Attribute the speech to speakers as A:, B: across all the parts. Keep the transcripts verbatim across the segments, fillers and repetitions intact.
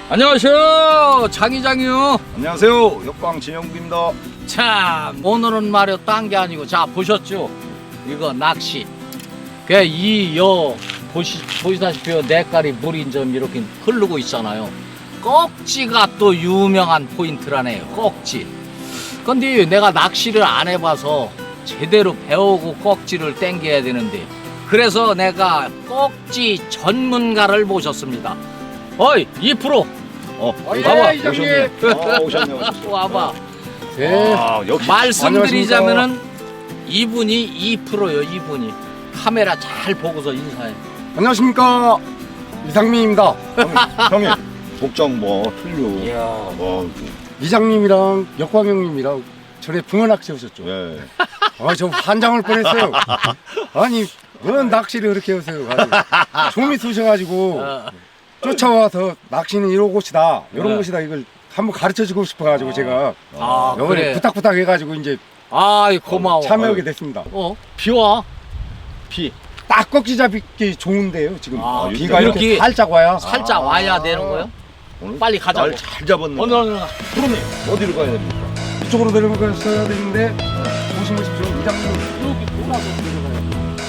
A: 안녕하세요, 장이장이요.
B: 안녕하세요, 역광 진영구입니다.
A: 참, 오늘은 말이요 딴 게 아니고, 자 보셨죠? 이거 낚시. 그 이여 보시 보시다시피 내깔이 물이 좀 이렇게 흐르고 있잖아요. 꼭지가 또 유명한 포인트라네요. 꼭지. 근데 내가 낚시를 안 해봐서 제대로 배우고 꼭지를 당겨야 되는데, 그래서 내가 꼭지 전문가를 모셨습니다. 어이 이 프로.
B: 어,
A: 어,
B: 예,
A: 봐봐.
B: 이장님. 아, 오셨네, 오셨어.
A: 와봐.
B: 네. 아, 역시.
A: 말씀드리자면은 이분이 이 프로요. 이분이 카메라 잘 보고서 인사해.
C: 안녕하십니까, 이상민입니다.
B: 형님, 형님, 복장 뭐 틀려.
A: 이야.
B: 와,
C: 이장님이랑 역광형님이랑 전에 붕어 낚시 오셨죠?
B: 예.
C: 아, 저 환장을 뻔했어요. 아니, 왜 낚시를 그렇게 하세요? 좀이 쑤셔가지고
A: 어.
C: 쫓아와서 낚시는 이런 곳이다, 이런
A: 네.
C: 곳이다, 이걸 한번 가르쳐주고 싶어가지고 제가
A: 아
C: 이번에
A: 그래.
C: 부탁부탁 해가지고 이제
A: 아이 고마워.
C: 참여하게 됐습니다.
A: 어 비와. 비.
C: 딱 꺽지 잡기 좋은데요, 지금.
A: 아,
C: 비가 이렇게,
A: 이렇게
C: 살짝 와야.
A: 살짝
B: 아.
A: 와야 되는 거요?
B: 오늘
A: 빨리 가자고.
B: 날 잘 잡았네.
A: 오늘 오늘.
B: 프로님, 어디로 가야 됩니까?
C: 이쪽으로 내려가셔야 되는데, 보시면 보십시오. 이장님.
A: 여기 돌아서 들어가요.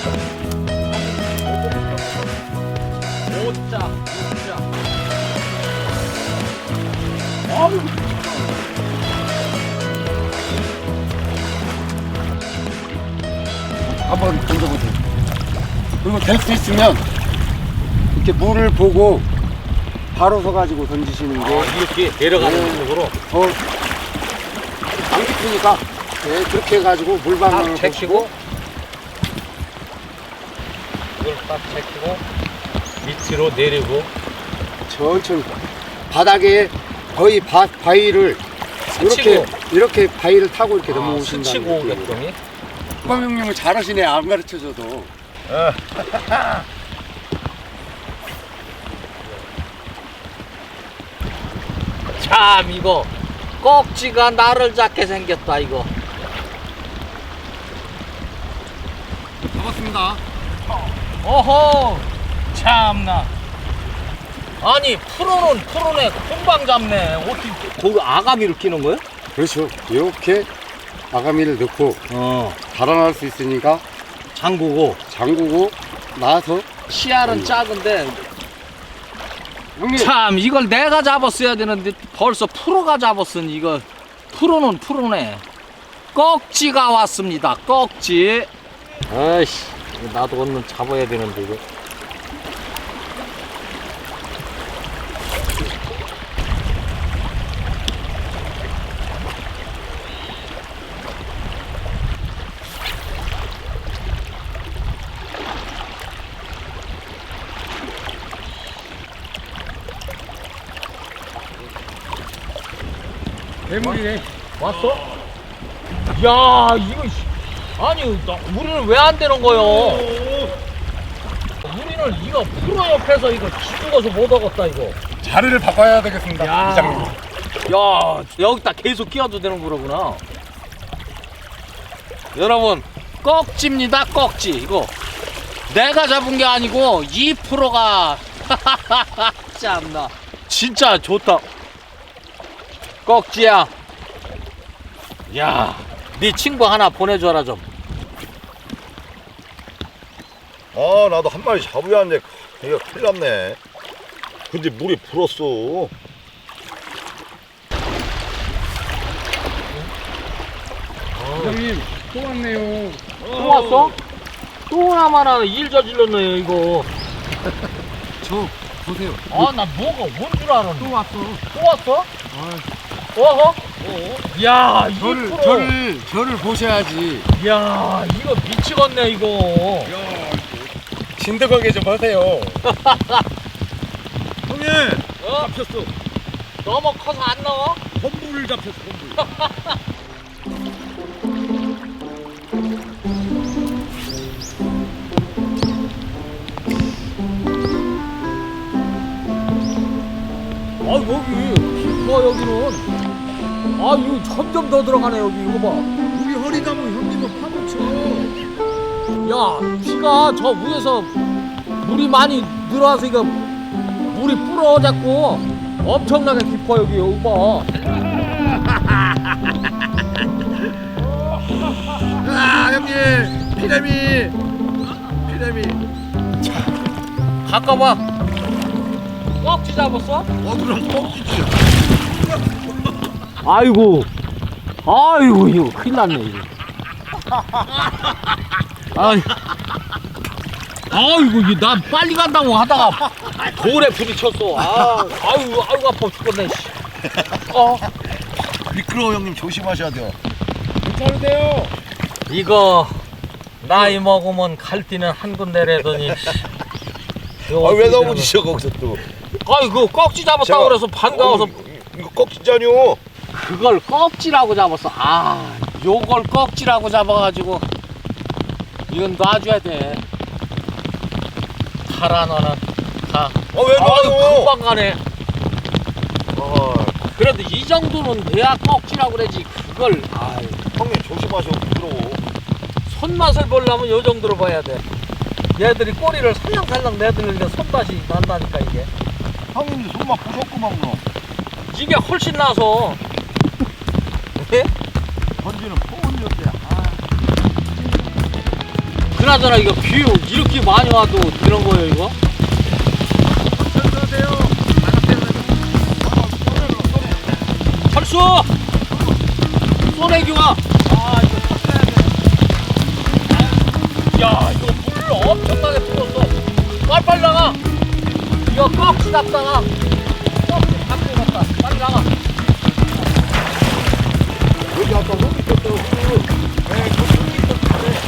A: 오자 오자. 아유.
C: 한번 던져보세요. 그리고 될 수 있으면 이렇게 물을 보고 바로 서가지고 던지시는 게
A: 아, 이렇게 내려가는
C: 네.
A: 쪽으로.
C: 더 안 깊으니까, 네, 그렇게 해가지고 물 방향을
A: 딱 제키고
C: 보시고
A: 이걸 딱 제키고 밑으로 내리고.
C: 천천히 바닥에 거의 바, 바위를 이렇게
A: 스치고.
C: 이렇게 바위를 타고 이렇게
A: 아,
C: 넘어오신다는
A: 스치고 오게끔이.
C: 황형님은 잘하시네. 안 가르쳐줘도.
A: 참 이거 꼭지가 나를 잡게 생겼다 이거.
C: 잡았습니다.
A: 어허 참나. 아니 프로는 프로네 금방 잡네. 어떻게 거기 아가미를 끼는 거야?
C: 그렇죠. 이렇게 아가미를 넣고
A: 어
C: 달아날 수 있으니까
A: 장구고.
C: 잠그고 나서.
A: 씨알은
C: 음.
A: 작은데
C: 형님,
A: 참 이걸 내가 잡았어야 되는데 벌써 프로가 잡았으니 이거 프로는 프로네. 꼭지가 왔습니다. 꼭지. 아이씨 나도 얼른 잡아야 되는데 이거.
C: 대물이네.
A: 왔어? 야 이거 씨. 아니 나, 우리는 왜 안 되는 거요? 우리는 이거 프로 옆에서 이거 죽어서 못 얻었다 이거.
C: 자리를 바꿔야 되겠습니다.
A: 야,
C: 이장님.
A: 야 여기다 계속 끼워도 되는 거구나. 여러분 꼭지입니다. 꼭지 이거 내가 잡은 게 아니고 이 프로가 참나 진짜 좋다. 꼭지야. 야, 네 친구 하나 보내줘라 좀.
B: 아, 나도 한 마리 잡아야 하는데, 이거 큰일 났네. 근데 물이 불었어.
C: 이장님, 또 왔네요.
A: 또 왔어? 또 나마나 일 저질렀네 이거.
C: 저, 보세요.
A: 아 나 뭐가 뭔 줄 알았네.
C: 또 왔어.
A: 또 왔어? 어허? 야, 이
C: 저를,
A: 프로.
C: 저를, 저를 보셔야지.
A: 야, 이거 미치겠네 이거.
C: 진드거게 좀 하세요.
B: 형님!
A: 어?
B: 잡혔어.
A: 너무 커서 안 나와?
B: 험불 잡혔어, 험불.
A: 아 여기 깊어 여기는. 아 이거 점점 더 들어가네 여기 이거 봐.
C: 우리 허리 감은 형님은 파묻혀.
A: 야 비가 저 위에서 물이 많이 늘어와서 이거 물이 불어 자꾸. 엄청나게 깊어 여기 여기 봐.
B: 아 형님 피레미 피레미.
A: 가까봐. 꺽지 잡았어?
B: 어 그럼 뻥치지.
A: 아이고, 아이고 이거 큰일 났네 이거. 아이, 아이고 이난 빨리 간다고 하다가 돌에 부딪혔어. 아, 아이고 아이고 아파 죽겠네. 씨. 어,
B: 미끄러워 형님 조심하셔야 돼요.
C: 괜찮으세요?
A: 이거 나이 먹으면 갈띠는 한 군데라더니.
B: 아왜 넘어지셔 거기서 또.
A: 아이고 꺽지 잡았다고 그래서 반가워서.
B: 어, 이거 꺽지잖요.
A: 그걸 꺽지라고 잡았어. 아, 요걸 꺽지라고 잡아가지고 이건 놔줘야 돼. 가라 너는 가.
B: 어왜
A: 아유,
B: 놔요?
A: 금방 가네.
B: 어,
A: 그래도 이 정도는 돼야 꺽지라고 그러지. 그걸 아유,
B: 형님 조심하셔 부끄러워.
A: 손맛을 보려면 요 정도로 봐야 돼. 얘들이 꼬리를 살랑살랑 내들는데 손맛이 난다니까 이게.
B: 형님도 손맛 보셨구만 그럼.
A: 이게 훨씬 나서. 예?
B: 던지는 포근이었대. 아.
A: 그나저나 이거 비 이렇게 많이 와도 이런 거예요 이거?
B: 안녕하세요.
A: 철수! 쏘내기 와! 아 이거 탔어야 돼. 야 이거 물 엄청나게 풀었어. 빨리빨리 나가. 이거 꺽지 잡다가 꺽지 잡고 갔다. 빨리 나가.
B: 여기 아까 흙 있었어. 네, 그 흙이 있었는데.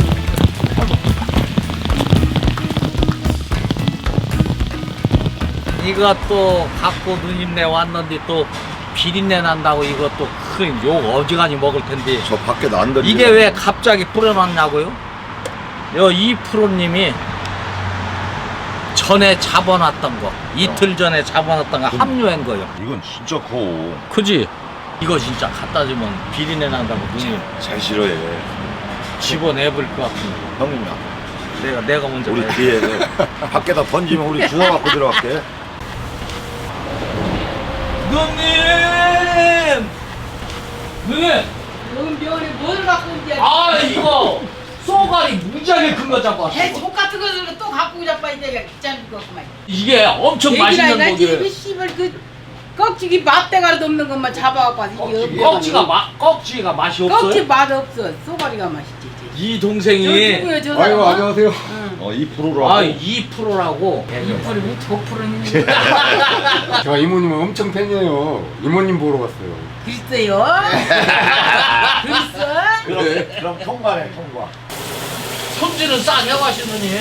A: 이것도 갖고 누님네 왔는데 또 비린내 난다고 이것도 큰 욕 어지간히 먹을 텐데
B: 저 밖에 난다.
A: 이게 왜 갑자기 뿌려놨냐고요? 요 이 프로님이 전에 잡아놨던 거 이틀 전에 잡아놨던 거 합류한 거요.
B: 이건 진짜 커.
A: 그지? 이거 진짜 갖다 주면 비린내 난다고 누님
B: 잘 싫어해.
A: 집어내볼 것 같은데
B: 형님이야.
A: 내가 내가 먼저
B: 우리
A: 가야지.
B: 뒤에 밖에다 던지면 우리 주워 갖고 들어갈게.
A: 누님! 누님!
D: 여기 면에 뭘 갖고 온지
A: 아 이거 쏘가리 무지하게 큰 거 잡았어.
D: 개족 같은 거를 또 갖고 오자 빠 이제 귀찮은 거구만.
A: 이게 엄청 맛있는
D: 나 집에
A: 고기를
D: 씨발 그 꺽지기 맛대가리도 없는 것만 잡아갖고 이게
A: 꺽지가 마, 꺽지가 맛이 없어요?
D: 꺽지 맛 없어. 쏘가리가 맛있지.
A: 이
D: 저
A: 동생이
D: 누구야 저 사람?
C: 아이고 안녕하세요.
D: 응.
B: 어, 이 프로라고.
A: 아 이 프로라고
D: 이 프로는 저 프로는
C: 제가 이모님 엄청 팬이에요. 이모님 보러 갔어요.
D: 글쎄요. 글쎄.
B: 그럼, 그럼 통과해 통과.
A: 손질은 싸게 하시느니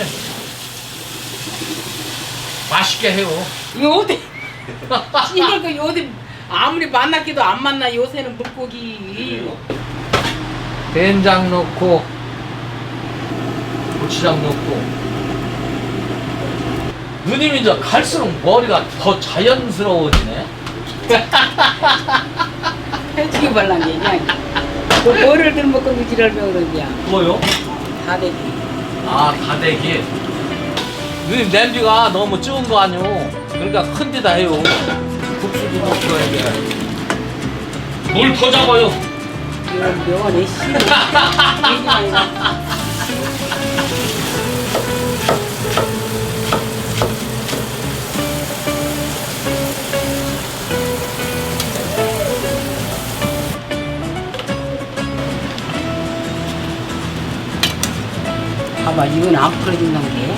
A: 맛있게 해요.
D: 이거 어디? 씨발 그 어디 아무리 만났기도 안 만나 요새는 물고기.
A: 된장 넣고 고추장 넣고 누님 이제 갈수록 머리가 더 자연스러워지네.
D: 해치기 발란 게 그냥 그 뭐를 들먹고 그 지랄병 그러냐.
A: 뭐요?
D: 다대기.
A: 아 다대기. 누님 냄비가 너무 적은 거 아니오. 그러니까 큰 데다 해요. 국수도 넣고 해야 돼. 물 더 잡아요.
D: 이런 명언에 씨. 봐봐, 이건 안 풀어진단 게.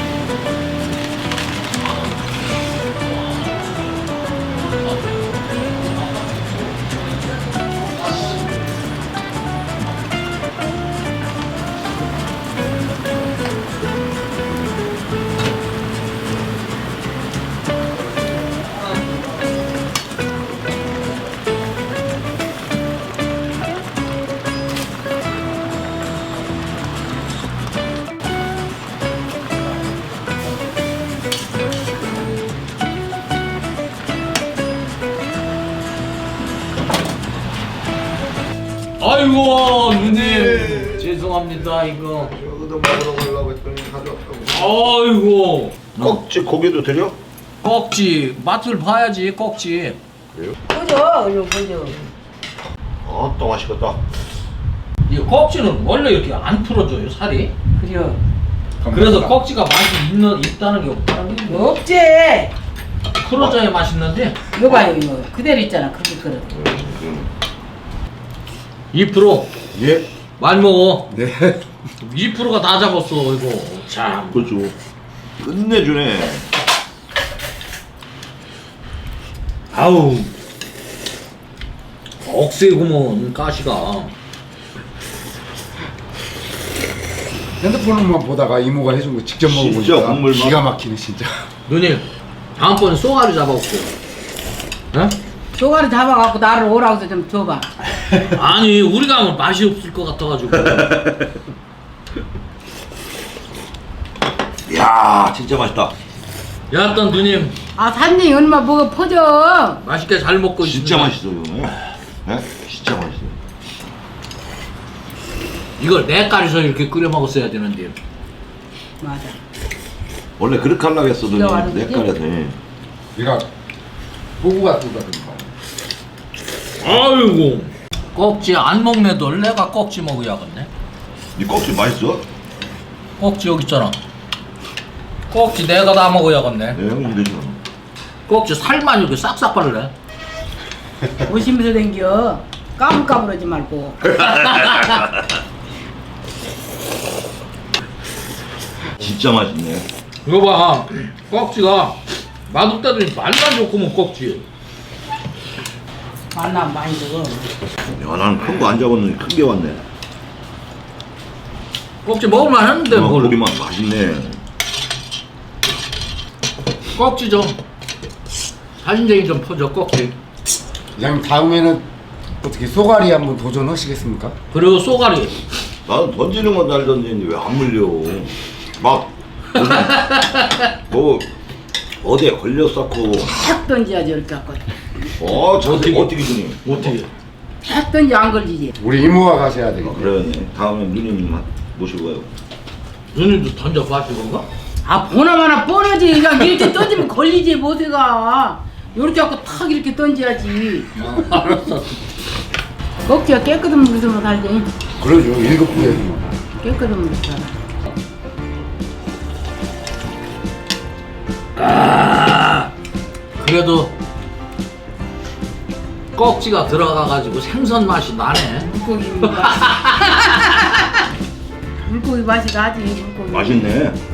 A: 아이고 누님 죄송합니다 이거.
B: 여기도 먹으러 가려고 했더니 가져왔다고.
A: 아이고
B: 꺽지 고기도 드려?
A: 꼭지 맛을 봐야지 꼭지.
D: 보죠, 이거 보죠.
B: 아, 또 맛있겠다.
A: 이 꼭지는 원래 이렇게 안 풀어줘요 살이.
D: 그래요.
A: 그래서 꼭지가 맛이 있는 있다는 게 없다는 게
D: 없지.
A: 풀어줘야 맛있는데.
D: 이거 봐요, 이거 그대로 있잖아. 그렇게 그릇.
A: 이 퍼센트
C: 예.
A: 많이 먹어.
C: 네.
A: 이 퍼센트가 다 잡았어 이거. 참.
B: 그렇죠. 끝내주네.
A: 아우. 억세구먼 가시가.
C: 핸드폰만 보다가 이모가 해준 거 직접
B: 진짜
C: 먹어보니까
B: 국물 맛.
C: 기가 막히네 진짜.
A: 누님 다음번에 쏘가리 잡아올게. 어?
D: 조가리 잡아갖고 나를 오라고 해서 좀 줘봐.
A: 아니 우리가 하면 맛이 없을 것 같아가지고.
B: 이야, 진짜 맛있다.
A: 야떤 누님
D: 아, 산님 얼마 먹어 퍼져.
A: 맛있게 잘 먹고
B: 진짜
A: 있습니다.
B: 맛있어요, 이거는. 네? 진짜 맛있어요.
A: 이걸 내깔에서 이렇게 끓여 먹었어야 되는데.
D: 맞아.
B: 원래 그렇게 하려고 했어도
D: 진짜 맛있지?
B: 내 깔에서.
C: 얘가 보고가 쏟아진다.
A: 아이고 꼭지 안 먹네도 내가 꼭지 먹어야겠네.
B: 이 껍질 맛있어?
A: 꼭지 여기 있잖아. 꼭지 내가 다 먹어야겠네.
B: 네, 형님 되지.
A: 꼭지 살만 이렇게 싹싹 바르래.
D: 오시면서 댕겨. 까불까불하지 말고.
B: 진짜 맛있네.
A: 이거 봐 꼭지가 맛없다더니 말만 좋구먼 꼭지.
D: 만나면 많이 먹어.
B: 야, 나는 큰 거 안 잡았는데 큰 게 왔네.
A: 꼭지 먹을만 했는데
B: 어,
A: 뭘.
B: 고기만 맛있네.
A: 꼭지 좀 사진쟁이 좀 퍼줘 꼭지.
C: 그냥 다음에는 어떻게 쏘가리 한번 도전하시겠습니까?
A: 그리고 쏘가리.
B: 나는 던지는 건 잘 던지는데 왜 안 물려? 막, 무슨, 뭐, 어디에 걸렸었고.
D: 탁 던져야지 이렇게 갖고.
B: 어, 저
A: 어떻게?
B: 어떻게 주니?
A: 어떻게?
D: 탁 던져 안 걸리지.
C: 우리 이모가 가셔야 되겠네.
B: 어, 그러네. 다음에 누님 모시고 가요.
A: 누님도 던져봐시 건가?
D: 아, 보나마나 뻔하지. 그냥 이렇게 던지면 걸리지 못해가. 이렇게 갖고 탁 이렇게 던져야지.
A: 아, 알았어.
D: 꼭지가 깨끗한 물에서만 살지.
C: 그러죠. 일곱 분에서.
D: 깨끗한 물에서 살아.
A: 아, 그래도 꼭지가 들어가가지고 생선 맛이 나네.
D: 물고기입니다. 물고기 맛이 나지, 물고기.
B: 맛있네.